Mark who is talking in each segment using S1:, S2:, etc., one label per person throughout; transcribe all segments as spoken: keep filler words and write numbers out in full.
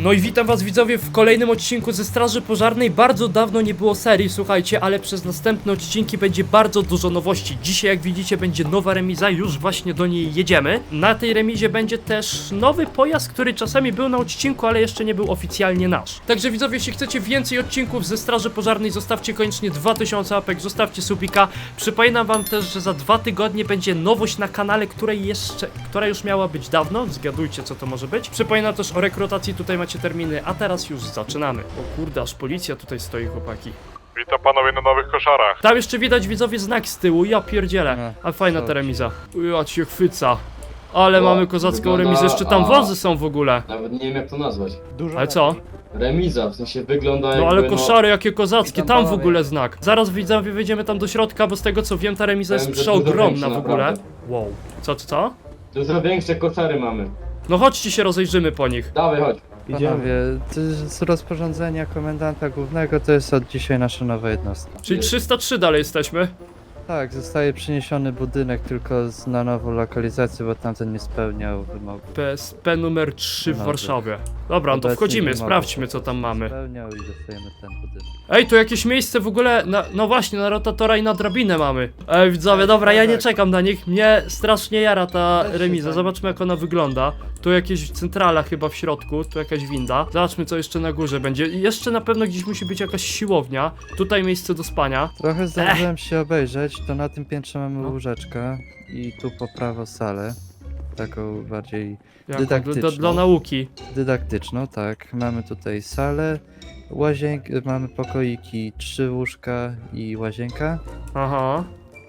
S1: No i witam was widzowie w kolejnym odcinku ze Straży Pożarnej. Bardzo dawno nie było serii, słuchajcie, ale przez następne odcinki będzie bardzo dużo nowości. Dzisiaj, jak widzicie, będzie nowa remiza, już właśnie do niej jedziemy. Na tej remizie będzie też nowy pojazd, który czasami był na odcinku, ale jeszcze nie był oficjalnie nasz. Także widzowie, jeśli chcecie więcej odcinków ze Straży Pożarnej, zostawcie koniecznie dwa tysiące łapek, zostawcie subika. Przypominam wam też, że za dwa tygodnie będzie nowość na kanale, której jeszcze, która już miała być dawno. Zgadujcie, co to może być. Przypominam też o rekrutacji, tutaj macie terminy, a teraz już zaczynamy. O kurde, aż policja tutaj stoi, chłopaki.
S2: Witam panowie na nowych koszarach.
S1: Tam jeszcze widać widzowie znak z tyłu, ja pierdzielę. A fajna ta remiza. Ja cię chwyca. Ale
S3: O,
S1: mamy kozacką
S3: wygląda-
S1: remizę, jeszcze tam
S3: a.
S1: wozy są w ogóle.
S3: Nawet nie wiem jak to nazwać.
S4: Dużo
S1: Ale co?
S3: Remiza, w sensie wygląda
S1: No
S3: jakby,
S1: ale koszary jakie kozackie,
S3: Witam
S1: tam w
S3: panowie.
S1: ogóle znak. Zaraz widzowie wejdziemy tam do środka, bo z tego co wiem ta remiza jest
S3: Powiem, że dużo
S1: przeogromna
S3: większa,
S1: w ogóle.
S3: naprawdę.
S1: Wow. Co, co, co?
S3: Dużo większe koszary mamy.
S1: No chodźcie się rozejrzymy po nich.
S3: Dawaj, chodź.
S4: Panowie, to z rozporządzenia komendanta głównego to jest od dzisiaj nasza nowa jednostka.
S1: Czyli trzysta trzy dalej jesteśmy.
S4: Tak, zostaje przeniesiony budynek tylko z, na nową lokalizację, bo tamten nie spełniał wymogów.
S1: P S P numer trzy w
S4: Nowy.
S1: Warszawie. Dobra, no to
S4: Obecnie
S1: wchodzimy,
S4: wymogów
S1: sprawdźmy co tam mamy.
S4: Spełniał i dostajemy ten budynek.
S1: Ej, tu jakieś miejsce w ogóle, na, no właśnie, na rotatora i na drabinę mamy. Ej, widzowie, dobra, ja nie czekam na nich, mnie strasznie jara ta
S4: Też się
S1: remiza,
S4: fajnie.
S1: zobaczmy jak ona wygląda. Tu jakieś centrala chyba w środku, tu jakaś winda. Zobaczmy co jeszcze na górze będzie. I jeszcze na pewno gdzieś musi być jakaś siłownia. Tutaj miejsce do spania.
S4: Trochę zdążyłem się obejrzeć, to na tym piętrze mamy
S1: No.
S4: łóżeczkę i tu po prawo salę. Taką bardziej
S1: Jako, dla, dla,
S4: Dydaktyczną.
S1: dla nauki.
S4: dydaktyczną, tak. Mamy tutaj salę, łazienkę, mamy pokoiki, trzy łóżka i łazienka.
S1: Aha.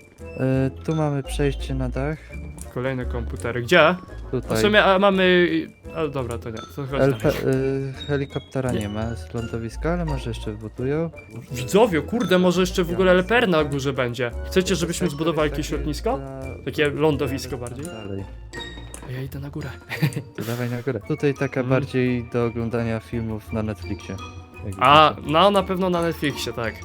S4: E, tu mamy przejście na dach.
S1: Kolejne komputery. Gdzie? W
S4: Tutaj
S1: sumie a, mamy... A, dobra, to nie. To chodź
S4: LP,
S1: dalej.
S4: y, helikoptera
S1: Nie.
S4: nie ma z lądowiska, ale może jeszcze wbudują.
S1: Widzowie, kurde, może jeszcze w ogóle L P R na górze będzie. Chcecie, żebyśmy
S4: Sektor
S1: zbudowali
S4: jest
S1: jakieś
S4: taki
S1: lotnisko?
S4: dla-
S1: Takie lądowisko bardziej?
S4: Dalej.
S1: Ja idę na górę.
S4: To dawaj na górę. Tutaj taka
S1: Mhm.
S4: bardziej do oglądania filmów na Netflixie. Jak
S1: A,
S4: widzicie.
S1: no na pewno na Netflixie, tak.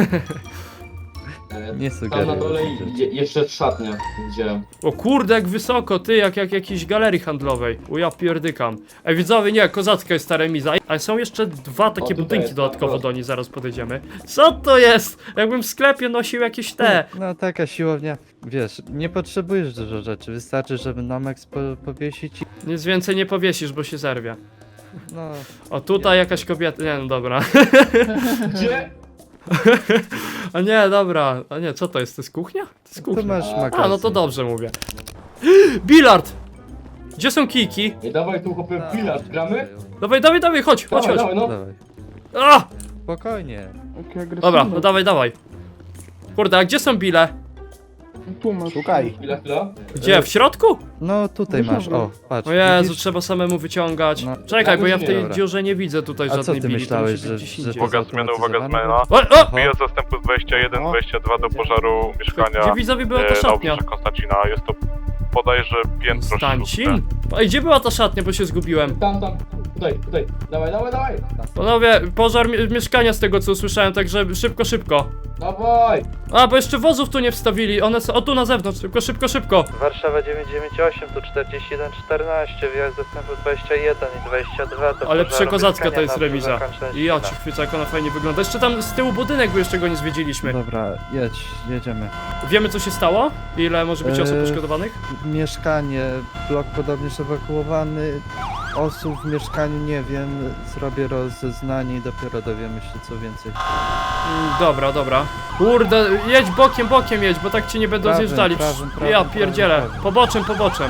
S3: E,
S4: Nie
S3: Tam
S4: sugeruję.
S3: na dole
S4: rzeczy.
S3: je, jeszcze szatnia, gdzie...
S1: O kurde, jak wysoko, ty, jak, jak jakiejś galerii handlowej. O ja pierdykam. Ej, widzowie, nie, kozacka jest ta remiza. A są jeszcze dwa takie
S3: tutaj
S1: budynki
S3: jest,
S1: dodatkowo
S3: tak,
S1: do niej, zaraz podejdziemy. Co to jest? Jakbym w sklepie nosił jakieś te.
S4: No taka siłownia, wiesz, nie potrzebujesz dużo rzeczy, wystarczy, żeby Nomex po, powiesić i...
S1: Nic więcej nie powiesisz, bo się zerwie.
S4: No,
S1: O, tutaj jakaś kobieta, nie no dobra.
S3: Gdzie?
S1: A nie, dobra. A nie, co to jest? To jest kuchnia? To jest
S4: tu
S1: kuchnia.
S4: masz
S3: A,
S4: magazyn.
S1: A, no to dobrze mówię. Bilard! Gdzie są kijki?
S3: Nie dawaj tu chłopie bilard, gramy?
S1: Dawaj, dawaj, dawaj, chodź, chodź,
S3: Dawaj,
S1: chodź.
S3: dawaj, no.
S4: Dawaj.
S1: A!
S4: Spokojnie.
S1: Dobra, no dawaj, dawaj. Kurde, a gdzie są bile?
S4: Szukaj.
S3: Chwila, chwila.
S1: Gdzie? W środku?
S4: No tutaj masz, o, patrz.
S1: O Jezu,
S4: widzisz?
S1: trzeba samemu wyciągać.
S4: No.
S1: Czekaj, bo ja w tej
S4: Dobra.
S1: dziurze nie widzę tutaj
S4: A co
S1: żadnej
S4: ty
S1: bili. to
S4: myślałeś,
S1: musi być
S4: że-
S1: gdzieś
S4: że
S1: indziej.
S4: to-
S2: Uwaga zmiana, uwaga zmiana.
S1: O, o!
S2: Wyjazd zastępu z dwadzieścia jeden dwadzieścia dwa do pożaru mieszkania
S1: Gdzie widzowie była ta
S2: e, na
S1: szatnia?
S2: obrzeżach Konstancina. Jest to bodajże piętro
S1: Stancin? A gdzie była ta szatnia, bo się zgubiłem?
S3: Tam, tam. Tutaj, tutaj. Dawaj, dawaj, dawaj.
S1: Panowie, pożar mi mieszkania z tego co usłyszałem, także szybko, szybko.
S3: Dawaj.
S1: A, bo jeszcze wozów tu nie wstawili, one są, o tu na zewnątrz, szybko, szybko, szybko.
S4: Warszawa dziewięćset dziewięćdziesiąt osiem, tu czterdzieści jeden czternaście, wjazd dostępu dwadzieścia jeden i dwadzieścia dwa do
S1: Ale
S4: pożaru
S1: przekozacka to
S4: mieszkania
S1: jest
S4: na
S1: remiza.
S4: obrzeżach
S1: I ja ci
S4: Konstancina.
S1: chwycę, jak ona fajnie wygląda. Jeszcze tam z tyłu budynek, bo jeszcze go nie zwiedziliśmy.
S4: Dobra, jedź, jedziemy.
S1: Wiemy co się stało? Ile może być osób
S4: Eee,
S1: poszkodowanych?
S4: Mieszkanie, blok podobnież ewakuowany, osób w mieszkaniu nie wiem, zrobię rozeznanie i dopiero dowiemy się co więcej.
S1: Mm, dobra, dobra. Kurde, jedź bokiem, bokiem jedź, bo tak ci nie będą
S4: Prawym,
S1: zjeżdżali.
S4: prawym, prawym,
S1: ja
S4: prawym,
S1: pierdzielę.
S4: prawym.
S1: Poboczem, poboczem.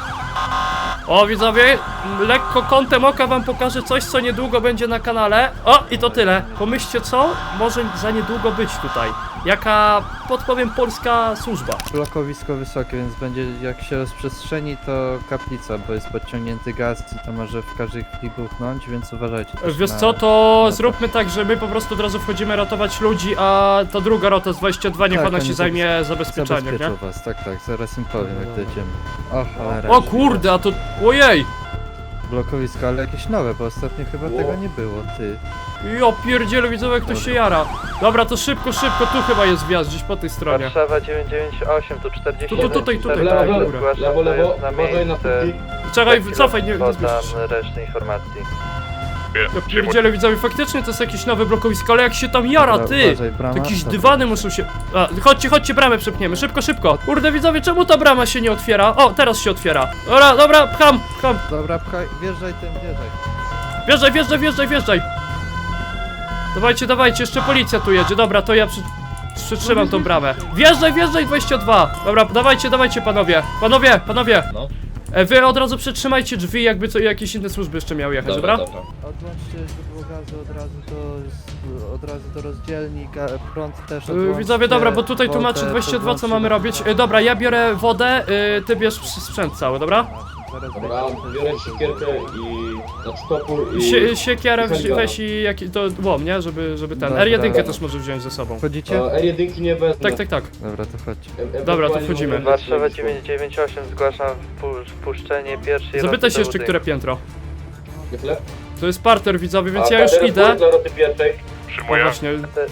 S1: O widzowie, lekko kątem oka wam pokażę coś, co niedługo będzie na kanale. O, i to tyle. Pomyślcie co może za niedługo być tutaj. Jaka, podpowiem, polska służba.
S4: Blokowisko wysokie, więc będzie jak się rozprzestrzeni to kaplica, bo jest podciągnięty gaz i to może w każdej chwili buchnąć, więc uważajcie też
S1: Wiesz
S4: na...
S1: co, to
S4: na
S1: zróbmy tak, że my po prostu od razu wchodzimy ratować ludzi, a ta druga rota z dwadzieścia dwa niech
S4: Tak,
S1: ona
S4: oni
S1: się zajmie zabezpieczaniem, nie?
S4: Zabezpieczą was, tak, tak, zaraz im powiem jak dojedziemy. O cholera.
S1: O kurde, a to... Ojej!
S4: Blokowisko, ale jakieś nowe, bo ostatnio chyba
S3: Ło.
S4: tego nie było, ty.
S1: Jo, pierdziele, widzowie, jak ktoś się jara. Dobra, to szybko, szybko, tu chyba jest wjazd, gdzieś po tej stronie.
S4: Warszawa dziewięćset dziewięćdziesiąt osiem, tu czterdzieści
S1: Tu, tu, tutaj, tutaj,
S3: Lewo,
S1: tutaj,
S3: lewo,
S1: góra.
S3: lewo, lewo. Uważaj na półki.
S1: Czekaj, cofaj, nie, nie
S4: Podam
S1: zbliżysz się.
S4: resztę informacji.
S1: Ja pierdzielę, widzowie, faktycznie to jest jakieś nowe blokowisko, ale jak się tam jara,
S4: Dobra,
S1: ty!
S4: uważaj, brama.
S1: To jakieś
S4: Dobra.
S1: dywany muszą się... A, chodźcie, chodźcie, bramę przepniemy, szybko, szybko! Kurde, widzowie, czemu ta brama się nie otwiera? O, teraz się otwiera. Dobra, dobra, pcham, pcham.
S4: Dobra, pchaj, wjeżdżaj tym, wjeżdżaj.
S1: Wjeżdżaj, wjeżdżaj, wjeżdżaj, wjeżdżaj! Dawajcie, dawajcie, jeszcze policja tu jedzie, dobra, to ja przy... przytrzymam tą bramę. Wjeżdżaj, wjeżdżaj, dwadzieścia dwa! Dobra, dawajcie, dawajcie, panowie! Panowie, panowie!
S5: No.
S1: E, wy od razu przytrzymajcie drzwi, jakby co, jakieś inne służby jeszcze miały jechać, dobra?
S5: dobra.
S4: Odłączcie źródło gazu od razu do, od razu do rozdzielni, ga, prąd też
S1: E,
S4: odłączcie.
S1: widzowie, dobra, bo tutaj tłumaczy
S4: wodę
S1: dwadzieścia dwa, co
S4: podłączcie
S1: mamy
S4: do-
S1: robić. E, dobra, ja biorę wodę, e, ty bierz sprzęt cały, dobra?
S4: Zaraz
S3: Dobra,
S4: będzie.
S3: biorę siekierkę i... znaczy topór i...
S1: Sie, siekierę weź,
S3: Handgun.
S1: weź i jaki, to łom, nie? Żeby, żeby ten.
S4: Dobra.
S1: R jeden też może wziąć ze sobą.
S4: Wchodzicie?
S3: E, R jeden nie wezmę.
S1: Tak, tak, tak.
S4: Dobra, to chodźcie.
S3: E-
S1: Dobra, to
S3: ewentualnie
S1: wchodzimy.
S3: mogę
S6: Warszawa
S3: wziąć-
S6: dziewięć dziewięć osiem, zgłaszam wpu- wpuszczenie pierwszej
S1: Zapytaj
S6: roty
S1: się
S6: do
S1: jeszcze,
S6: budynku.
S1: które piętro.
S3: Nie chleb?
S1: To jest parter, widzowie, więc
S3: A
S1: ja już
S3: kaderek
S1: idę.
S3: dla roty pierwszej.
S1: O
S2: Przyjmuję.
S1: właśnie,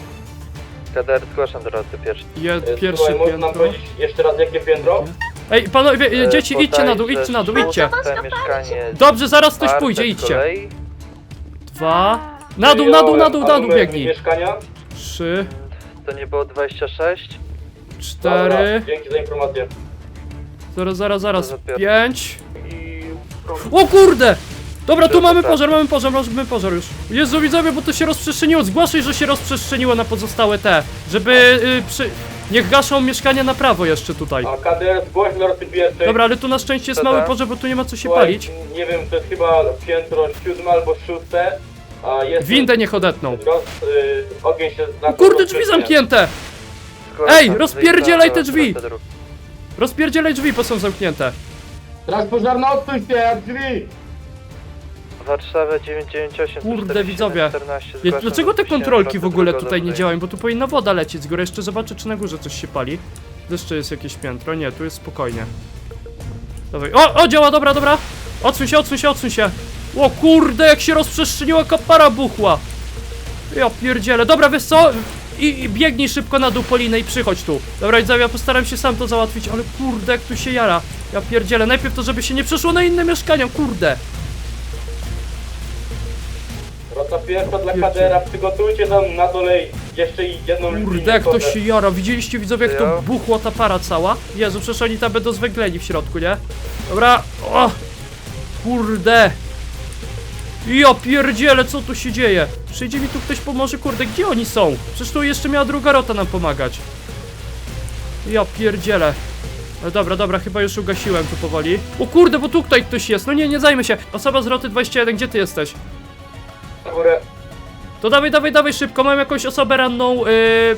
S6: K D R zgłaszam do roty pierwszej.
S1: je,
S3: E,
S1: pierwsze
S3: Słuchaj, można nam
S1: piętro.
S3: powiedzieć jeszcze raz jakie piętro?
S1: Ej, panowie, e,
S6: E,
S1: dzieci, idźcie na dół,
S6: podaj,
S1: idźcie na dół,
S6: że
S1: idźcie.
S6: szóste mieszkanie
S1: Dobrze, zaraz ktoś
S6: czwarte
S1: pójdzie,
S6: z
S1: idźcie.
S6: kolei.
S1: Dwa. Na dół, na dół, na dół, na dół biegnij.
S3: Mieszkania?
S1: Trzy,
S6: To nie było dwadzieścia sześć?
S3: Dobra,
S1: cztery,
S3: dzięki za informację.
S1: zaraz, zaraz, zaraz,
S6: To za
S1: pięć.
S6: I...
S1: O kurde! Dobra, tu
S6: To
S1: mamy
S6: tak.
S1: pożar, mamy pożar, mamy pożar już. Jezu, widzowie, bo to się rozprzestrzeniło. Zgłaszaj, że się rozprzestrzeniło na pozostałe te. Żeby, y, przy... Niech gaszą mieszkania na prawo jeszcze tutaj.
S3: A K D R zgłoś dla roty pierwszej.
S1: Dobra, ale tu na szczęście jest
S6: To
S1: mały
S6: tak.
S1: pożar, bo tu nie ma co się
S3: Słuchaj,
S1: palić.
S3: Nie wiem, to jest chyba piętro siódme albo szóste. A jest...
S1: Windę niech odetną.
S3: Roz, y, ogień się
S1: O kurde, drzwi zamknięte!
S6: zgłaszam
S1: Ej, rozpierdzielaj te
S6: wyjścia do
S1: drzwi!
S6: roty drugiej.
S1: Rozpierdzielaj drzwi, bo są zamknięte.
S3: Straż pożarna, odsuń się, drzwi!
S6: Warszawa dziewięć dziewięć osiem,
S1: Kurde, widzowie.
S6: czternaście,
S1: Ja,
S6: zgłaszam
S1: dlaczego te
S6: do wpuszczenia
S1: kontrolki w
S6: roty
S1: ogóle
S6: drugiej
S1: tutaj nie
S6: do
S1: działają? Bo tu powinna woda lecieć z góry. Jeszcze zobaczę, czy na górze coś się pali. Tu jeszcze jest jakieś piętro. Nie, tu jest spokojnie. Dawaj. O, o, działa, dobra, dobra. Odsuń się, odsuń się, odsuń się. O kurde, jak się rozprzestrzeniła, kapara buchła. Ja pierdzielę. Dobra, wiesz co? I, I biegnij szybko na dół Polinę i przychodź tu. Dobra, widzowie, ja postaram się sam to załatwić, ale kurde, jak tu się jara. Ja pierdzielę. Najpierw to, żeby się nie przeszło na inne mieszkania, kurde.
S3: Rota pierwsza dla K D R-a, przygotujcie tam na dole jeszcze jedną
S1: Kurde, jak to się jara. Widzieliście, widzowie, jak to
S6: Ja.
S1: buchła ta para cała? Jezu, przecież oni tam będą zwęgleni w środku, nie? Dobra, o! Kurde! Ja pierdzielę, co tu się dzieje? Przyjdzie mi tu ktoś pomoże, kurde, gdzie oni są? Przecież tu jeszcze miała druga rota nam pomagać. Ja pierdzielę. No dobra, dobra, chyba już ugasiłem tu powoli. O kurde, bo tu tutaj ktoś jest. No nie, nie zajmę się. Osoba z roty dwadzieścia jeden, gdzie ty jesteś?
S3: Na górę.
S1: To dawaj, dawaj, dawaj szybko, mam jakąś osobę ranną yy,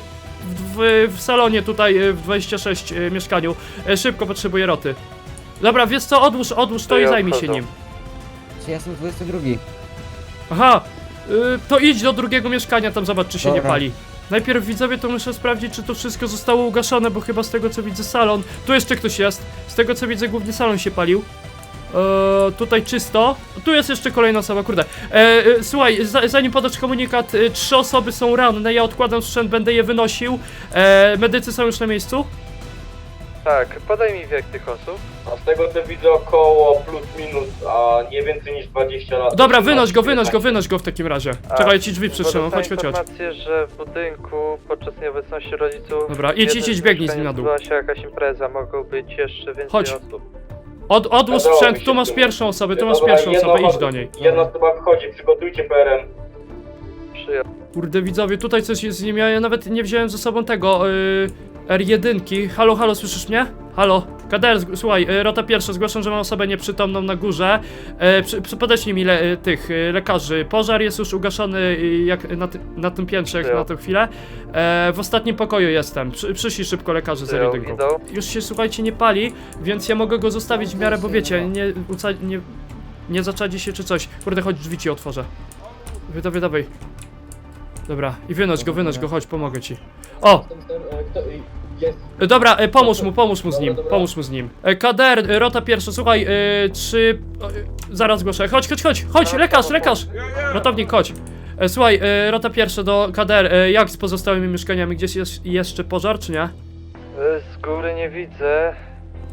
S1: w, w salonie tutaj yy, w dwadzieścia sześć yy, mieszkaniu. Yy, szybko potrzebuję roty. Dobra, wiesz co, odłóż, odłóż to
S6: To
S1: i
S6: ja
S1: zajmij się
S6: odchodzę.
S1: nim.
S7: Czy ja jestem dwudziesty drugi?
S1: Aha, yy, to idź do drugiego mieszkania, tam zobacz, czy się nie
S7: Dobra.
S1: pali. Najpierw widzowie, to muszę sprawdzić, czy to wszystko zostało ugaszone, bo chyba z tego co widzę salon. Tu jeszcze ktoś jest, z tego co widzę głównie salon się palił. Eee, tutaj czysto. Tu jest jeszcze kolejna osoba, kurde. Eee, e, słuchaj, za, zanim podasz komunikat, e, trzy osoby są ranne, ja odkładam sprzęt, będę je wynosił. Eee, medycy są już na miejscu?
S6: Tak, podaj mi wiek tych osób.
S3: A z tego co widzę około plus minus, a nie więcej niż dwadzieścia lat.
S1: Dobra, wynoś go, wynoś go, wynoś go w takim razie. Czekaj, ja ci drzwi przytrzymam,
S6: Bo
S1: chodź,
S6: dostałem
S1: chodź, chodź.
S6: informację, że w budynku podczas nieobecności rodziców...
S1: Dobra, idź,
S6: w jednym
S1: idź, idź, biegnij z nim
S6: mieszkaniu
S1: na dół.
S6: odbyła się jakaś impreza, mogą być jeszcze więcej
S1: Chodź.
S6: osób.
S1: Od, odłóż
S3: Udało mi
S1: sprzęt,
S3: się
S1: tu masz
S3: tu.
S1: pierwszą osobę, tu masz
S3: Dobra,
S1: pierwszą
S3: jedna
S1: osobę, idź
S3: osoba-
S1: do niej.
S3: Jedna osoba wychodzi, przygotujcie P R M.
S6: Przyjazd.
S1: Kurde widzowie, tutaj coś jest z nim, ja nawet nie wziąłem ze sobą tego, yy, R jeden. Halo, halo, słyszysz mnie? Halo, K D R, zg- słuchaj, yy, rota pierwsza, zgłaszam, że mam osobę nieprzytomną na górze. Yy, przy, przy, podeślij mi le, yy, tych yy, lekarzy. Pożar jest już ugaszony, yy, jak na, ty, na tym piętrze, jak
S6: Przyjął.
S1: na tę chwilę. Yy, w ostatnim pokoju jestem, przy, przyszli szybko lekarze z R
S6: Przyjął,
S1: jeden.
S6: idą.
S1: Już się, słuchajcie, nie pali, więc ja mogę go zostawić w miarę, bo wiecie, nie, uca- nie, nie zaczadzi się czy coś. Kurde, chodź, drzwi ci otworzę. Dawaj, dawaj. Dobra, i wynoś go, wynoś go, chodź, pomogę ci. O!
S3: Kto, jest.
S1: E, Dobra, e, pomóż mu, pomóż mu z nim, pomóż mu z nim. E, K D R, e, rota pierwsza, słuchaj, e, trzy... o, e, zaraz zgłoszę, chodź, chodź, chodź, chodź, lekarz, lekarz! Ratownik, chodź. E, słuchaj, e, rota pierwsza do K D R, e, jak z pozostałymi mieszkaniami, gdzieś jest jeszcze pożar, czy nie?
S6: Y, Z góry nie widzę.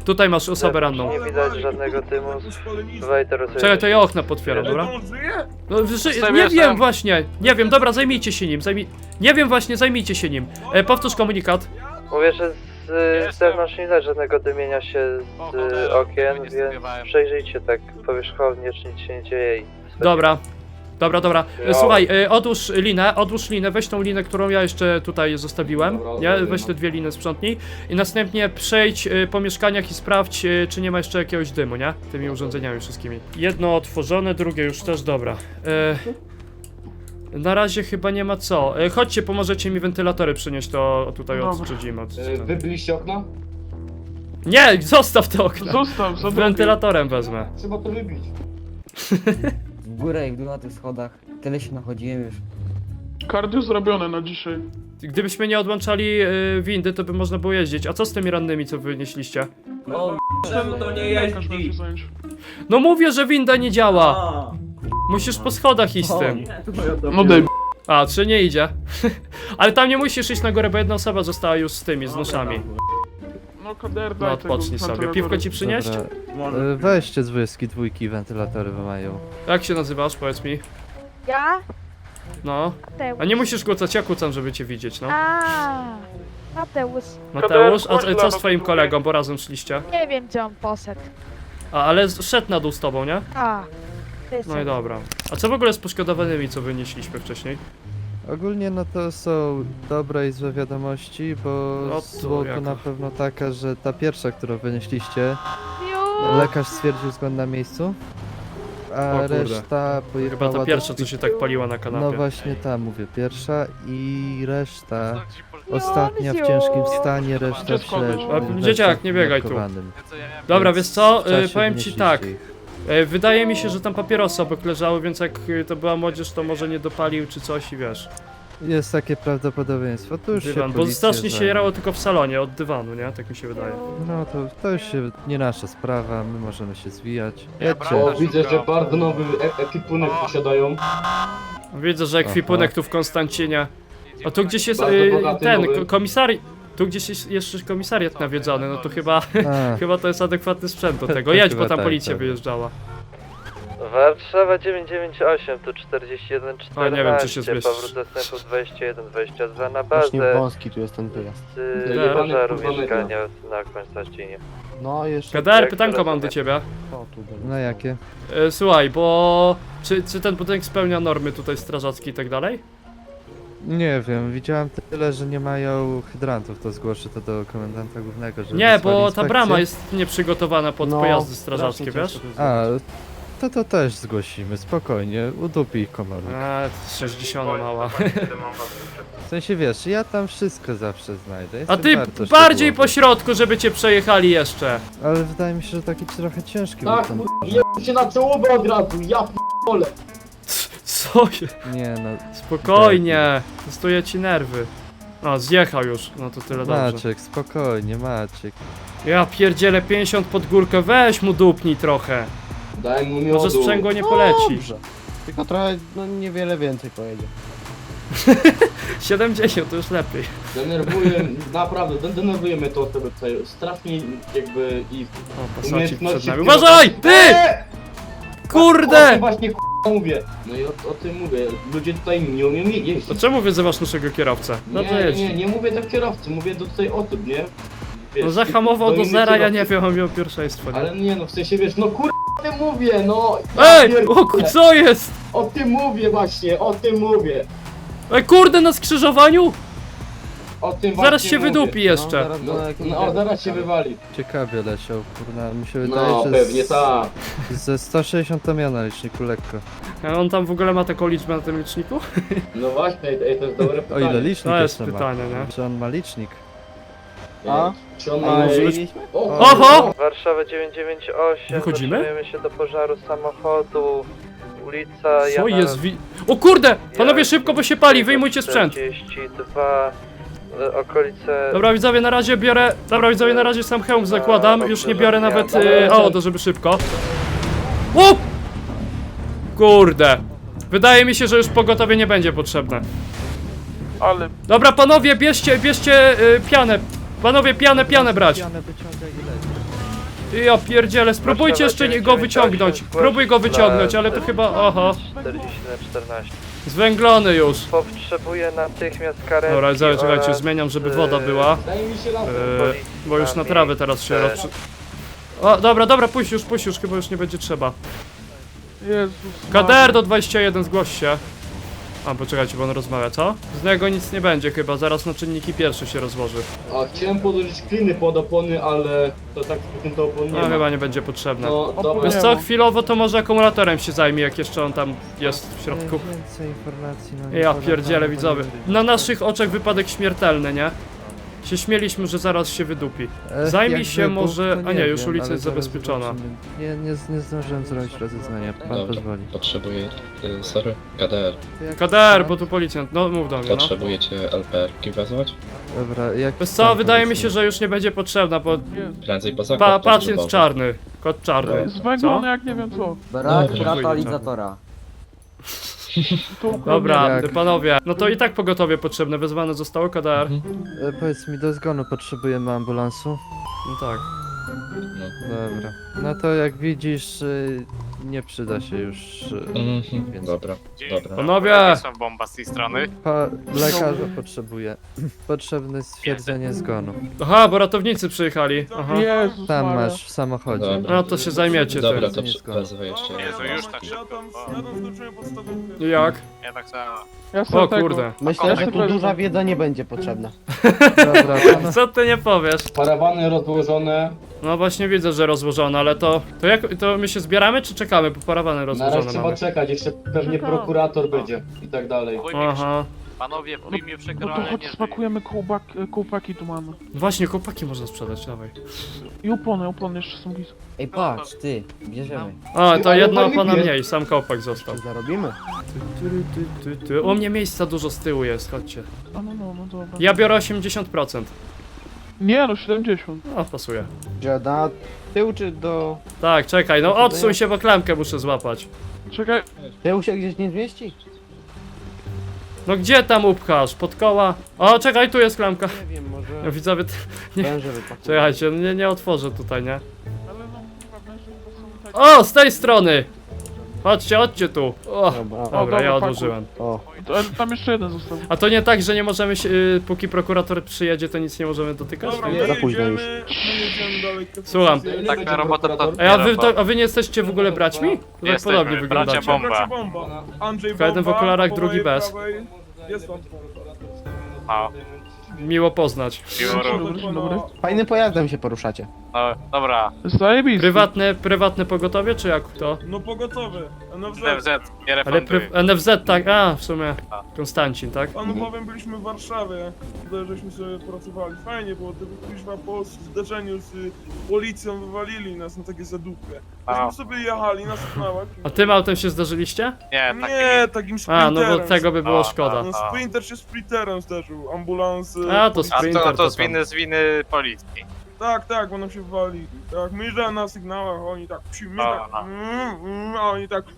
S1: Tutaj masz osobę ranną.
S6: Nie widać żadnego dymu. Wejter,
S1: Czekaj, to ja okna potwieram, dobra? No, ży- nie wiem właśnie, nie wiem, dobra, zajmijcie się nim, zajmij... Nie wiem właśnie, zajmijcie się nim. E, powtórz komunikat.
S6: Mówię, że z, z zewnątrz nie widać żadnego dymienia się z okien, więc przejrzyjcie tak powierzchownie, czy nic się nie dzieje. i-
S1: Dobra. Dobra, dobra. E, Słuchaj, e, odłóż linę, odłóż linę, weź tą linę, którą ja jeszcze tutaj zostawiłem. Nie? Weź te dwie liny, sprzątnij. I następnie przejdź e, po mieszkaniach i sprawdź, e, czy nie ma jeszcze jakiegoś dymu, nie? Tymi urządzeniami wszystkimi. Jedno otworzone, drugie już też, dobra. E, na razie chyba nie ma co. E, chodźcie, pomożecie mi wentylatory przynieść, to tutaj odczydzimy. Od...
S3: Wy byliście okna?
S1: Nie, zostaw te okna.
S5: Zostaw,
S1: Z
S5: zostaw.
S1: wentylatorem wezmę.
S3: Trzeba to wybić.
S7: W górę i w dół na tych schodach. Tyle się nachodziłem już.
S5: Kardio zrobione na dzisiaj.
S1: Gdybyśmy nie odłączali y, windy, to by można było jeździć. A co z tymi rannymi, co wynieśliście?
S3: No, czemu to nie
S5: Lekarz miał się
S3: jeździ?
S5: zająć.
S1: No mówię, że winda nie działa! Musisz po schodach iść z tym.
S5: No daj.
S1: A, czy nie idzie? Ale tam nie musisz iść na górę, bo jedna osoba została już z tymi, z noszami.
S5: No kader,
S1: No
S5: daj
S1: odpocznij
S5: tego
S1: sobie.
S5: wentylatora.
S1: Piwko ci przynieść?
S4: Dobra. E, Weźcie z dwudziestki dwójki, wentylatory mają.
S1: Jak się nazywasz, powiedz mi?
S8: Ja?
S1: No.
S8: Mateusz.
S1: A nie musisz kłócać, ja kłócam, żeby cię widzieć, no.
S8: A, Mateusz.
S1: Mateusz, a a co z twoim kolegą, bo razem szliście?
S8: Nie wiem, gdzie on poszedł.
S1: A, ale z- szedł na dół z tobą, nie?
S8: A, ty
S1: No i dobra. A co w ogóle z poszkodowanymi, co wynieśliśmy wcześniej?
S4: Ogólnie no to są dobre i złe wiadomości, bo
S1: No to
S4: zło to
S1: jako.
S4: na pewno taka, że ta pierwsza, którą wynieśliście,
S8: Już.
S4: lekarz stwierdził zgon na miejscu,
S1: O
S4: a
S1: kurde.
S4: reszta pojechała
S1: Chyba ta
S4: do
S1: pierwsza, co
S4: szpi-
S1: się tak paliła na kanapie.
S4: No właśnie ta, mówię, pierwsza i reszta, ostatnia w
S8: Józio.
S4: ciężkim stanie, reszta w
S5: Dziecko
S4: śle-
S5: wyszło.
S1: A,
S4: w
S1: dzieciak,
S4: lesie
S1: nie biegaj tu.
S4: umiarkowanym.
S1: Dobra,
S4: Więc
S1: wiesz co,
S4: w czasie
S1: y, powiem ci
S4: wynieśliście
S1: tak.
S4: ich.
S1: Y, Wydaje mi się, że tam papierosy obok leżały, więc jak y, to była młodzież, to może nie dopalił czy coś i wiesz.
S4: Jest takie prawdopodobieństwo, to już
S1: Dywan,
S4: się
S1: bo
S4: policja
S1: strasznie się
S4: zajmie.
S1: jarało tylko w salonie, od dywanu, nie? Tak mi się wydaje.
S4: No to, to już się, nie nasza sprawa, my możemy się zwijać.
S2: Ja
S4: Jedźcie.
S2: brałem-
S3: O, widzę, że bardzo nowy e ekwipunek posiadają.
S1: Widzę, że ekwipunek
S4: Aha.
S1: tu w Konstancinie. A tu gdzieś jest
S3: Bardzo
S1: y,
S3: bogaty,
S1: ten,
S3: nowy.
S1: ko- komisari... Tu gdzieś jest jeszcze komisariat nawiedzony, no to chyba,
S4: A,
S1: chyba to jest adekwatny sprzęt do tego. Jedź, bo
S4: Chyba
S1: tam
S4: tak,
S1: policja
S4: tak.
S1: wyjeżdżała.
S6: Warszawa dziewięć dziewięć osiem, tu czterdzieści jeden czternaście,
S1: O, nie wiem, czy się zmieścisz.
S6: powrót dostępu dwadzieścia jeden dwadzieścia dwa na
S9: Właśnie
S6: bazę.
S9: wąski tu jest ten wyjazd.
S6: Z
S1: Nie.
S6: pożaru
S3: Kurwa,
S6: mieszkania na Konstancinie.
S9: No jeszcze...
S1: Kadar,
S6: jak
S1: pytanko mam do
S6: rozumiem.
S1: ciebie.
S9: O, tu dalej.
S4: no jakie?
S1: E, słuchaj, bo... Czy, czy ten budynek spełnia normy tutaj strażackie i tak dalej?
S4: Nie wiem, widziałem tyle, że nie mają hydrantów, to zgłoszę to do komendanta głównego, żeby
S1: Nie,
S4: wysłali
S1: bo ta
S4: inspekcję.
S1: brama jest nieprzygotowana pod
S9: No,
S1: pojazdy strażackie,
S9: strasznie
S1: wiesz?
S9: ciężko to jest
S4: A, to to też zgłosimy, spokojnie, udupi ich komornik.
S1: A, sześćdziesiąt mała.
S4: W sensie wiesz, ja tam wszystko zawsze znajdę.
S1: A
S4: jestem
S1: ty
S4: bardzo
S1: bardziej po
S4: szczegółowy.
S1: środku, żeby cię przejechali jeszcze.
S4: Ale wydaje mi się, że taki trochę ciężki był
S3: Tak,
S4: ten...
S3: je się na czołówę od razu, ja p***ole.
S1: Co je?
S4: Nie no,
S1: Spokojnie, testuję ci nerwy. O, zjechał już, no to tyle dobrze.
S4: Maciek, spokojnie, Maciek.
S1: Ja pierdzielę pięćdziesiąt pod górkę, weź mu dupnij trochę.
S3: Daj mu miodu.
S1: Może sprzęgło nie poleci.
S9: Dobrze. Tylko trochę, no niewiele więcej pojedzie.
S1: siedemdziesiąt to już lepiej.
S3: Denerwuje, naprawdę, den- denerwuje mnie to osoby tutaj. Strasznie jakby i...
S1: O, pasacik przed
S3: umiejętności
S1: nami.
S3: pilota-
S1: Uważaj! Ty!
S3: Eee! O
S1: Kurde!
S3: tym właśnie k***a mówię. No i o, o tym mówię. Ludzie tutaj nie umieją je- jeździć.
S1: To czemu wyzywasz naszego kierowcę? Dobrze
S3: Nie,
S1: jedź.
S3: nie, nie mówię do kierowcy, mówię do tutaj osób, nie? Wiesz,
S1: No zahamował do
S3: innych
S1: zera, ja nie
S3: kierowców.
S1: wiem, on miał pierwszeństwo. Nie?
S3: Ale nie no, w sensie wiesz, no kur... o tym mówię, no! Ja
S1: Ej!
S3: pierdolę.
S1: O, ku- co jest?
S3: O tym mówię właśnie, o tym mówię.
S1: Ej, kurde, na skrzyżowaniu?
S3: O tym
S1: Zaraz
S3: właśnie
S1: się
S3: mówię.
S1: wydupi jeszcze.
S9: No, zaraz
S3: No,
S9: go na jakimś-
S3: no zaraz się wywali.
S4: Ciekawie leciał, kurna, mi się wydaje,
S3: No
S4: że
S3: pewnie
S4: z,
S3: tak.
S4: ze sto sześćdziesiąt to miał na liczniku lekko.
S1: A on tam w ogóle ma taką liczbę na tym liczniku?
S3: No właśnie, ej, to jest dobre
S4: O
S3: pytanie.
S4: ile licznik
S1: To jest
S4: jeszcze
S1: pytanie,
S4: ma?
S1: nie?
S4: Czy on ma licznik?
S9: A?
S3: Czy on
S9: A,
S3: ma...
S1: może
S9: jeździliśmy?
S3: O,
S1: Oho!
S6: Warszawa dziewięć dziewięć osiem,
S1: Wychodzimy?
S6: zatrzymujemy się do pożaru samochodu, ulica
S1: Co
S6: Jana...
S1: jest wi... O kurde! Panowie szybko, bo się pali, wyjmujcie sprzęt.
S6: czterdzieści dwa, e, okolice...
S1: Dobra widzowie, na razie biorę... Dobra widzowie, na razie sam hełm zakładam, już nie biorę nawet y, auto, żeby szybko. O! Kurde. Wydaje mi się, że już pogotowie nie będzie potrzebne.
S5: Ale
S1: Dobra panowie, bierzcie, bierzcie y, pianę. Panowie, pianę, pianę brać.
S4: Pianę wyciągaj i leć.
S1: Ja pierdzielę, spróbujcie jeszcze nie- go wyciągnąć. Próbuj go wyciągnąć, ale to chyba... Oho.
S6: czterdzieści na czternaście.
S1: Zwęglony już.
S6: Potrzebuję natychmiast karetki.
S1: Dobra, zaraz, czekajcie,
S6: oraz,
S1: zmieniam, żeby
S6: e,
S1: woda była.
S3: Daj mi się lampę.
S1: Eee, bo już na trawę teraz się rozprzy... O, dobra, dobra, puść już, puść już, chyba już nie będzie trzeba.
S5: Jezus.
S1: Kader do dwudziestu jeden, zgłoś się. A, poczekajcie, bo on rozmawia, co? Z niego nic nie będzie chyba, zaraz na czynniki pierwsze się rozłoży.
S3: A chciałem podłożyć kliny pod opony, ale to tak to opon nie
S1: No
S3: ma.
S1: chyba nie będzie potrzebne.
S3: No dobra.
S1: Wiesz co, chwilowo to może akumulatorem się zajmie, jak jeszcze on tam jest w środku.
S4: Więcej informacji, no nie
S1: Ja
S4: podam,
S1: pierdzielę,
S4: bo nie
S1: widzowie.
S4: wiem.
S1: Na naszych oczach wypadek śmiertelny, nie? Się śmieliśmy, że zaraz się wydupi.
S4: E,
S1: Zajmij
S4: jak
S1: się
S4: wybuch,
S1: może...
S4: to
S1: A nie, już
S4: wiem,
S1: ulica
S4: ale
S1: jest
S4: zaraz
S1: zabezpieczona.
S4: zobaczymy. Nie, nie, nie zdążyłem zrobić rozeznania, pan
S10: Dobra,
S4: pozwoli.
S10: potrzebuję, y, sorry, K D R.
S4: To jak-
S1: K D R, bo tu policjant, no mów do mnie, no.
S10: Potrzebujecie L P R-ki wezwać?
S4: Dobra, jak...
S1: Wiesz co, wydaje mi się, że już nie będzie potrzebna, bo...
S10: Prędzej poza
S1: Pa, pacjent czarny, kot czarny.
S5: Zwęglony jak nie wiem co.
S7: Brak
S10: Dobra.
S7: katalizatora.
S5: Tu
S1: Dobra,
S4: Jak?
S1: panowie, no to i tak pogotowie potrzebne, wezwane zostało K D R.
S4: E, powiedz mi, do zgonu potrzebujemy ambulansu?
S1: No tak.
S4: Dobra. No to jak widzisz, y, nie przyda się już... y,
S10: Mhm,
S4: Więc-
S10: dobra, dobra.
S1: Panowie!
S2: bomba z tej strony.
S4: Pa, lekarza potrzebuje. Potrzebne stwierdzenie zgonu.
S1: Aha, bo ratownicy przyjechali. Aha.
S5: Jezus
S4: Tam
S5: Maria.
S4: masz w samochodzie.
S10: Dobra.
S1: No to się zajmiecie
S10: Dobra,
S1: tym.
S10: to
S4: nie
S10: przy-
S4: zgoda.
S10: wezwę jeszcze
S2: Jezu,
S10: jedno.
S2: już tak szybko.
S1: Jak?
S2: Ja tak samo.
S5: Ja sobie
S1: O
S5: tego-
S1: kurde.
S9: Myślę, że
S5: Ja
S9: tu
S5: sobie
S9: duża wiedza nie będzie potrzebna.
S4: Dobra, no,
S1: Co ty nie powiesz?
S3: Parawany rozłożone.
S1: No właśnie widzę, że rozłożone, ale to... To jak... To my się zbieramy, czy czekamy? Bo parawany
S3: Na razie
S1: rozłożone
S3: trzeba
S1: mamy.
S3: czekać, jeszcze pewnie prokurator będzie i tak dalej.
S1: Aha.
S2: Panowie,
S5: No, no to chodź spakujemy kołbak, kołpaki tu mamy.
S1: Właśnie, chłopaki można sprzedać, dawaj.
S5: I opony, opony jeszcze są blisko.
S7: Ej, patrz, ty, bierzemy.
S1: A, to
S3: Ale
S1: jedno
S3: fajnie
S1: pana
S3: wie.
S1: mniej, sam kołpak został.
S9: Czy zarobimy?
S1: Ty, ty, ty, ty. U mnie miejsca dużo z tyłu jest, chodźcie.
S5: A no, no, no dobra.
S1: Ja biorę osiemdziesiąt procent.
S5: Nie no, siedemdziesiąt.
S1: No, pasuje.
S9: Gdzie na tył czy do...
S1: Tak, czekaj, no odsuń się, bo klamkę muszę złapać.
S5: Czekaj,
S9: Tył się gdzieś nie zmieści?
S1: No gdzie tam upchasz? Pod koła? O, czekaj, tu jest klamka.
S9: Nie wiem,
S1: Ja
S9: może...
S1: widzowie, t- nie.
S9: Węże wypakują.
S1: Czekajcie, nie, nie otworzę tutaj, nie?
S5: ale no, chyba węże chyba są tak...
S1: O, z tej strony! Chodźcie, chodźcie tu. O,
S9: Dobra,
S1: dobra,
S5: dobra,
S1: ja
S5: pakuj.
S1: odłożyłem.
S9: o.
S5: To, ale tam jeszcze jeden został.
S1: A to nie tak, że nie możemy się, y, póki prokurator przyjedzie, to nic nie możemy dotykać?
S9: Nie, za późno już.
S1: Słucham.
S3: Tak na robotę to...
S1: A, ja wy, to, a wy nie jesteście w ogóle braćmi? To tak podobnie wyglądacie.
S2: bomba.
S11: Andrzej
S1: Tylko jeden w
S11: Bomba,
S1: okularach,
S11: po
S1: drugi
S11: mojej
S1: bez.
S11: prawej. Jest pan.
S2: No,
S1: Miło poznać.
S5: Dzień dobry, dzień dobry.
S9: Fajnym pojazdem się poruszacie.
S2: no dobra.
S5: Zajebisty.
S1: Prywatne, prywatne pogotowie, czy jak to?
S11: No pogotowy. N F Z.
S2: N F Z, nie
S1: Ale
S2: refunduj.
S1: pry, N F Z, tak, a w sumie. Konstancin, tak?
S11: Panu powiem, byliśmy w Warszawie. Tutaj żeśmy sobie pracowali. Fajnie było, gdyby kuźwa po zderzeniu z y, policją wywalili nas na takie zadupy.
S2: A.
S11: Myśmy sobie jechali na sygnałach.
S1: A tym autem się zdarzyliście?
S2: Nie, tak
S11: Nie, takim
S1: A,
S11: sprinterem.
S1: no bo tego by było
S2: A,
S1: szkoda.
S11: No sprinter się sprinterem zderzył. Ambulans. y,
S1: A, to
S11: policja.
S2: A
S1: sprinter
S2: to, to
S1: to
S2: z
S1: tam.
S2: winy, z winy policji.
S11: Tak, tak, bo nam się wywalili. Tak, my jeżdżamy na sygnałach, a oni tak psi, my
S2: A,
S11: tak,
S2: a.
S11: mm, mm, a oni tak...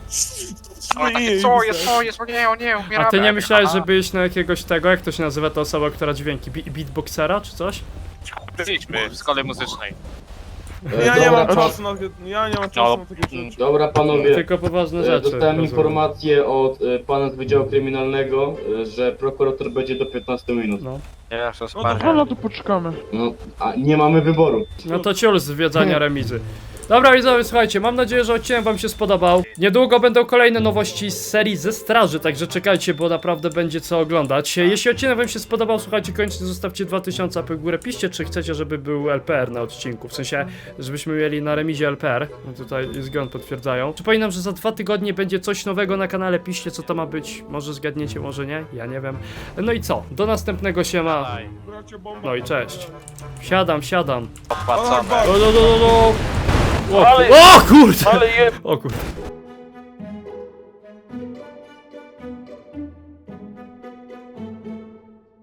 S2: O, takie, co jest, co jest, o nie, o nie, umieramy.
S1: A ty nie myślałeś,
S2: Aha.
S1: że byś na jakiegoś tego, jak to się nazywa ta osoba, która dźwięki, bi- beatboxera czy coś?
S2: Byliśmy w szkole muzycznej.
S11: Ja nie mam
S3: Dobra,
S11: czasu na takie, ja nie mam czasu na takie rzeczy.
S3: Dobra panowie,
S1: Tylko poważne
S3: e,
S1: rzeczy.
S3: dostałem
S1: rozumiem.
S3: informację od e, pana z Wydziału Kryminalnego, e, że prokurator będzie do piętnastu minut.
S1: No.
S2: Ja się
S11: No
S5: No, no to poczekamy.
S3: No, a nie mamy wyboru.
S1: No to ciul z zwiedzania remizy. Dobra widzowie, słuchajcie, mam nadzieję, że odcinek wam się spodobał. Niedługo będą kolejne nowości z serii ze straży, także czekajcie, bo naprawdę będzie co oglądać. Jeśli odcinek wam się spodobał, słuchajcie, koniecznie zostawcie dwa tysiące łapek w górę. Piszcie, czy chcecie, żeby był L P R na odcinku, w sensie, żebyśmy mieli na remizie L P R. No tutaj zgon potwierdzają. Przypominam, że za dwa tygodnie będzie coś nowego na kanale, piszcie, co to ma być. Może zgadniecie, może nie, ja nie wiem. No i co? Do następnego siema.
S11: Bracie bomba.
S1: No i cześć. Siadam, siadam.
S2: Opłacone.
S1: Do, do, do, do, do. O, ku- o kurde!
S5: Ale je...
S1: O kurde.